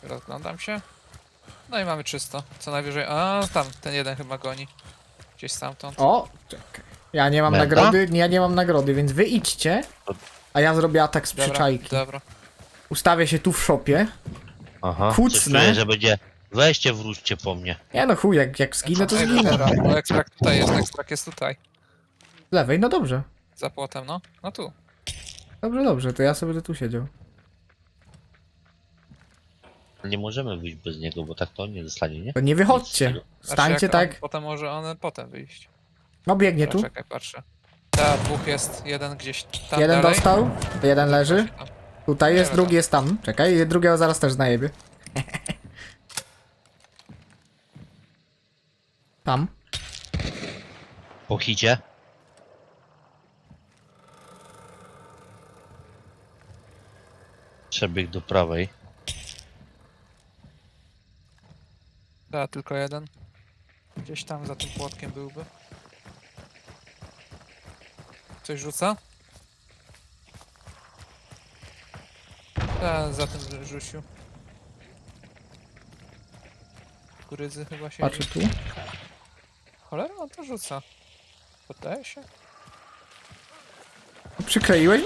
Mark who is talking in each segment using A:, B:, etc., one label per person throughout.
A: Rozglądam się. No i mamy czysto. Co najwyżej... A, tam, ten jeden chyba goni. Gdzieś stamtąd.
B: O! Czekaj. Ja nie mam
C: Menda?
B: nagrody, ja nie mam nagrody, więc wy idźcie. A ja zrobię atak z
A: Dobra,
B: przyczajki.
A: dobra.
B: Ustawię się tu w szopie.
C: Aha.
B: Kucnę.
C: Coś czuję, że będzie... Weźcie, wróćcie po mnie.
B: Nie no chuj, jak zginę, to
A: Ej,
B: zginę.
A: dobra, bo ekstrakt tutaj jest, ekstrakt jest tutaj.
B: Z lewej, no dobrze.
A: Za płotem, no. No tu.
B: Dobrze, dobrze, to ja sobie będę tu siedział.
C: Nie możemy wyjść bez niego, bo tak to on nie zostanie, nie?
B: To nie wychodźcie.
C: Nic
B: Stańcie
A: jak on,
B: tak.
A: potem może on potem wyjść.
B: No biegnie
A: Dobra,
B: tu.
A: czekaj, patrzę. Ta, dwóch jest, jeden gdzieś tam
B: Jeden
A: dalej.
B: dostał, jeden leży.
A: Tam.
B: Tutaj jest,
A: Nie
B: drugi
A: wiem.
B: jest tam. Czekaj, drugiego zaraz też znajebie. Tam.
C: Po hicie. Przebieg do prawej.
A: Ta, tylko jeden. Gdzieś tam za tym płotkiem byłby. Coś rzuca? Ta, za tym rzucił. Kurydzy chyba się.
B: Patrzę tu.
A: Cholera, on to rzuca. Poddaje się?
B: Przykleiłeś mu?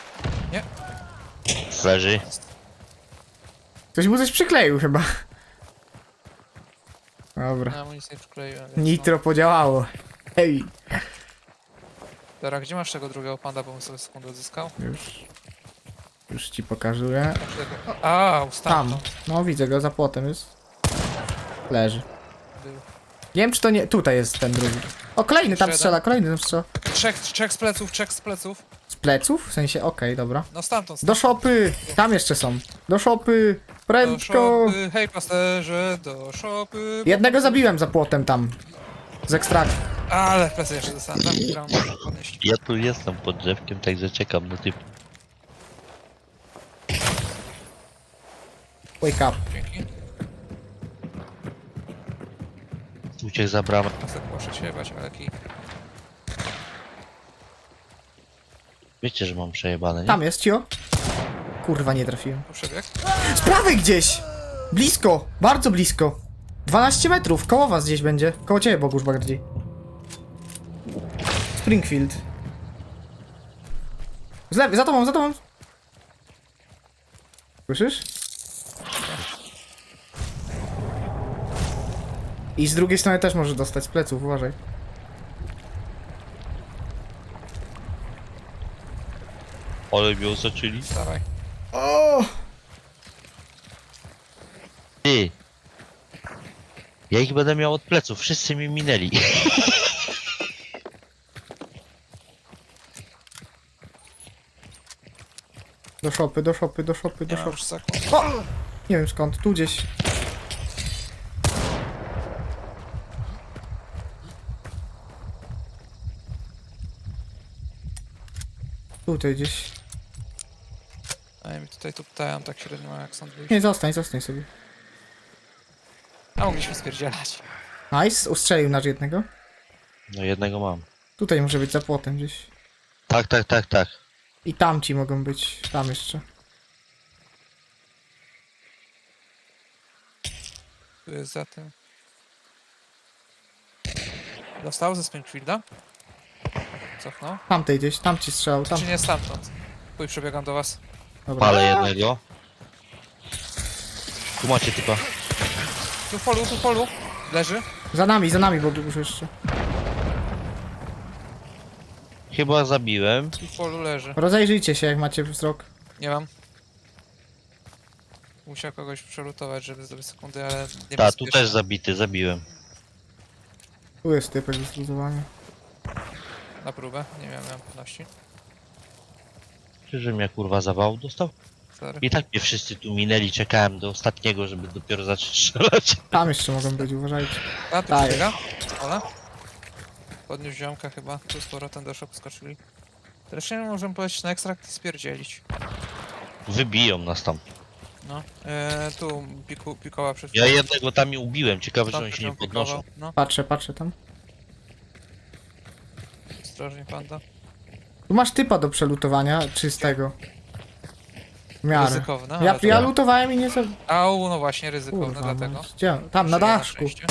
C: Leży.
B: Ktoś mu coś przykleił chyba. Dobra.
A: Ja mu nic nie przykleiłem. Więc no.
B: Nitro podziałało. Hej.
A: Dobra, gdzie masz tego drugiego panda, bo bym sobie sekundę odzyskał?
B: Już ci pokazuję.
A: A,
B: Tam.
A: stamtąd
B: No widzę go, za płotem jest. Leży.
A: był.
B: Nie wiem czy to nie... Tutaj jest ten drugi. O, kolejny tam
A: Jeszcze
B: strzela, kolejny tam strzela.
A: Trzech z pleców, trzech z pleców.
B: Z pleców? W sensie, okej, dobra.
A: No stamtąd.
B: Do szopy! Tam jeszcze są. Do szopy!
A: Do
B: Prędko!
A: szopy, hej pasterze, do szopy.
B: Jednego zabiłem za płotem tam. Z ekstraktu.
A: Ale w plecy jeszcze dostałem, tak? Którą muszę podnieść.
C: Ja tu jestem pod drzewkiem, także czekam na typ.
B: Wake up.
A: Dzięki.
C: Uciekł za bramę.
A: Pasek muszę się jebać, ale kij.
C: Wiecie, że mam przejebane, nie?
B: Tam jest, cio. Kurwa, nie trafiłem.
A: Tu przebieg.
B: Z prawej gdzieś! Blisko! Bardzo blisko! 12 metrów, koło was gdzieś będzie. Koło ciebie, Bogusz, bardziej. Springfield. Z lewej, za tobą, za tobą! Słyszysz? I z drugiej strony też może dostać z pleców, uważaj.
C: Ale mnie osaczyli.
A: Dawaj.
B: O!
C: Ty! Ja ich będę miał od pleców, wszyscy mi minęli.
B: Do szopy, do szopy, do szopy, do
A: Nie mam
B: szopy.
A: już sekund.
B: O! Nie wiem skąd, tu gdzieś. Tutaj gdzieś.
A: A ja mi tutaj tu pytają, tak średnio jak stąd wyjść.
B: Nie, zostań, zostań sobie.
A: A mogliśmy spierdzielać.
B: Nice, ustrzelił nasz jednego.
C: No jednego mam.
B: Tutaj może być za płotem gdzieś.
C: Tak, tak, tak, tak.
B: I tamci mogą być, tam jeszcze.
A: Tu jest za tym. Dostał ze Springfielda? Cofnął?
B: Tamtej gdzieś, tam ci strzelał, tam.
A: Czy nie stamtąd? Pój, przebiegam do was.
B: Dobra.
C: Palę jednego. Tu macie typa.
A: Tu w polu. Leży.
B: Za nami, bo już jeszcze.
C: Chyba zabiłem.
A: Tu w polu leży.
B: Rozejrzyjcie się, jak macie wzrok.
A: Nie mam. Musiał kogoś przelutować, żeby zdobyć sekundy, ale nie
C: Ta, tu też zabity, zabiłem.
B: Tu jest typek do zluzowania.
A: Na próbę, nie miałem pewności.
C: Czy że mnie kurwa zawał dostał?
A: Sorry.
C: I tak mnie wszyscy tu minęli, czekałem do ostatniego, żeby dopiero zacząć strzelać.
B: Tam jeszcze mogą być, uważajcie.
A: A, tu
B: Daję.
A: przebiega. Ola. Podniósł ziomka chyba, tu z powrotem do shop skoczyli. Zresztą możemy polecieć na ekstrakt i spierdzielić.
C: Wybiją nas tam.
A: No, tu pikoła przed
C: Ja jednego tam i ubiłem, ciekawe, że
A: Tam
C: oni
A: też
C: się nie
A: ją
C: podnoszą.
A: pikował. No,
B: Patrzę tam.
A: ostrożnie panda.
B: Tu masz typa do przelutowania, czystego. W miarę.
A: ryzykowne,
B: Ja,
A: ale to...
B: ja lutowałem i nie za...
A: Au, no właśnie, ryzykowne,
B: Kurwa,
A: dlatego.
B: no, gdzie? Tam, na
A: Żyję
B: daszku.
A: szczęście.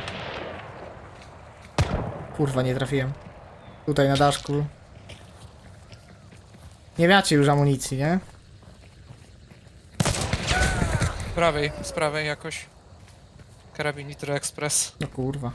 B: Kurwa, nie trafiłem. Tutaj na daszku. Nie macie już amunicji, nie?
A: Z prawej jakoś. Karabin Nitro Express.
B: No kurwa.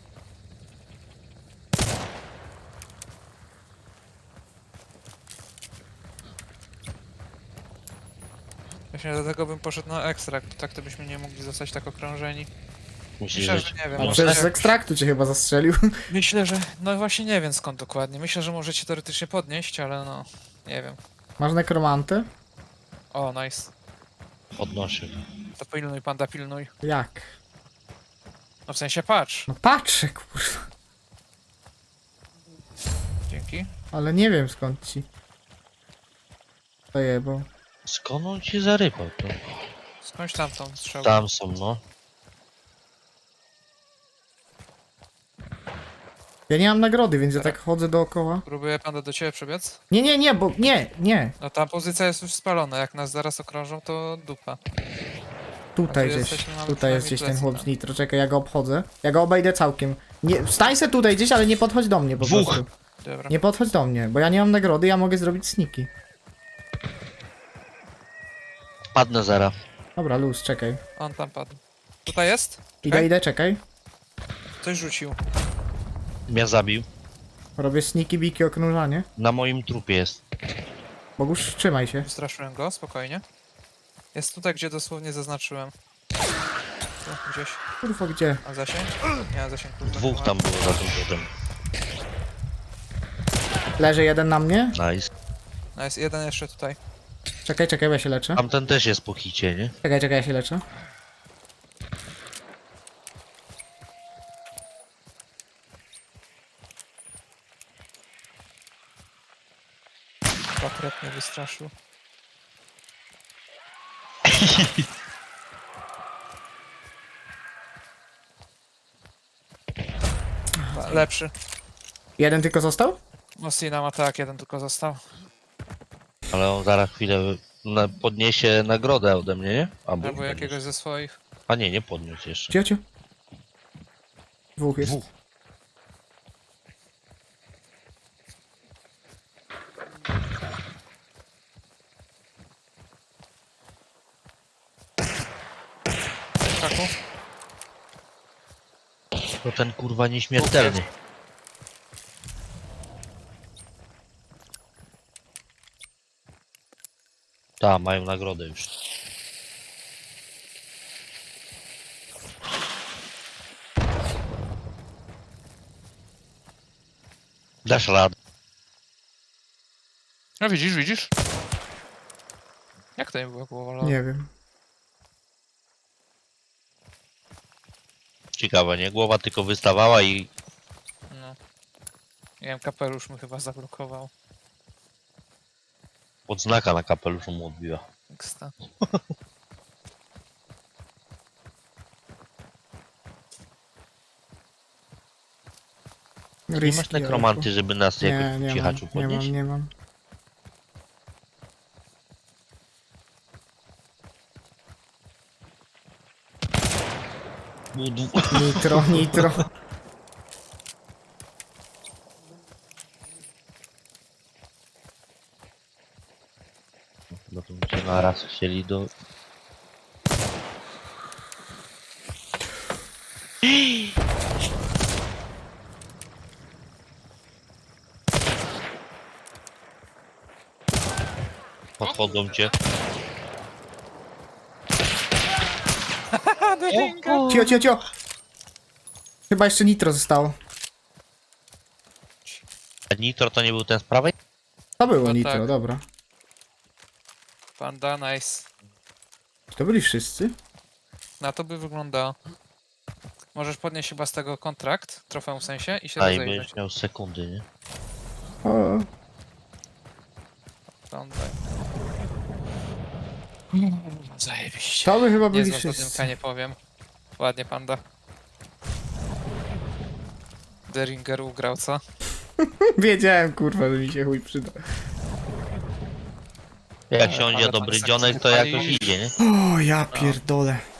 A: Właśnie dlatego bym poszedł na ekstrakt, tak to byśmy nie mogli zostać tak okrążeni.
C: Myślisz,
A: Myślę,
C: że...
A: że nie wiem.
B: A
C: No,
B: przecież
A: może
B: z ekstraktu cię chyba zastrzelił.
A: Myślę, że... No właśnie nie wiem skąd dokładnie. Myślę, że możecie teoretycznie podnieść, ale no... Nie wiem.
B: Masz nekromantę?
A: O, nice.
C: Podnoszę.
A: To pilnuj, panda, pilnuj.
B: Jak?
A: No w sensie patrz.
B: No patrzę, kurwa.
A: Dzięki.
B: Ale nie wiem skąd ci. Zajebał.
C: Skąd on ci zarypał to?
A: Skądś tam tą strzałę.
C: Tam są, no.
B: Ja nie mam nagrody, więc ja tak chodzę dookoła.
A: Próbuję panda do ciebie przebiec.
B: Nie, bo nie.
A: No ta pozycja jest już spalona. Jak nas zaraz okrążą, to dupa.
B: Tutaj
A: A tu
B: gdzieś,
A: jesteśmy, mamy
B: tutaj jest
A: przynajmniej
B: gdzieś ten
A: plecy,
B: chłop
A: no.
B: z nitro. Czekaj, ja go obchodzę. Ja go obejdę całkiem. Nie, stań se tutaj gdzieś, ale nie podchodź do mnie po
C: Dwóch.
B: prostu.
A: Dobra.
B: Nie podchodź do mnie, bo ja nie mam nagrody, ja mogę zrobić sniki.
C: Padnę zara.
B: Dobra, luz, czekaj.
A: On tam padł. Tutaj jest? Czekaj.
B: Idę, czekaj.
A: Coś rzucił.
C: Mnie zabił.
B: Robię sniki, biki, oknurzanie.
C: Na moim trupie jest.
B: Bogusz, trzymaj się.
A: Wystraszyłem go, spokojnie. Jest tutaj, gdzie dosłownie zaznaczyłem. Tu, gdzieś.
B: Kurwa, gdzie?
A: A zasięg? Nie, a zasięg kurwa,
C: Dwóch
A: nie
C: tam
A: ma.
C: było za tym płotem.
B: Leży jeden na mnie.
C: Nice.
A: No jest jeden jeszcze tutaj.
B: Czekaj, bo ja się leczę.
C: Tamten też jest po hicie, nie?
B: Czekaj, ja się leczę.
A: Patriot mnie wystraszył. Lepszy.
B: Jeden tylko został?
A: Mosina ma tak, jeden tylko został.
C: Ale on zaraz chwilę podniesie nagrodę ode mnie, nie?
A: Albo
C: podniesie.
A: jakiegoś ze swoich.
C: A nie, nie podniósł jeszcze.
B: Ciocio. Dwóch jest.
C: Dwóch.
A: Kaku.
C: To ten kurwa nieśmiertelny. Tak, mają nagrodę już. Dasz radę.
A: No widzisz? Jak to nie było głowa?
B: Nie wiem.
C: Ciekawe, nie? Głowa tylko wystawała i
A: No. Nie wiem, kapelusz mu chyba zablokował.
C: odznaka na kapeluszu mu odbiła.
A: Eksta.
C: Nie masz nekromanty, żeby nas
B: Nie,
C: jakoś
B: nie
C: cichaczu
B: mam,
C: podnieść?
B: nie mam. Nitro.
C: No to byście na raz chcieli do... Podchodzą cię.
B: Cio. Chyba jeszcze nitro zostało.
C: A Nitro to nie był ten z prawej?
B: To było
A: No
B: nitro,
A: tak.
B: dobra.
A: Panda, nice.
B: To byli wszyscy?
A: Na to by wyglądało. Możesz podnieść chyba z tego kontrakt, trofeum w sensie, i się
C: A i
A: rozejrzeć.
C: będziesz miał sekundy, nie?
B: O,
A: Panda. Zajebiście.
B: to by chyba byli
A: Niezła zadymka,
B: wszyscy.
A: nie powiem. Ładnie, panda. Deringer ugrał, co?
B: Wiedziałem, kurwa, że mi się chuj przyda.
C: Jak
A: Ale
C: siądzie
A: tam
C: dobry
A: tak
C: dzionek, to
A: wypalisz.
C: jakoś idzie, nie?
B: O, ja pierdolę.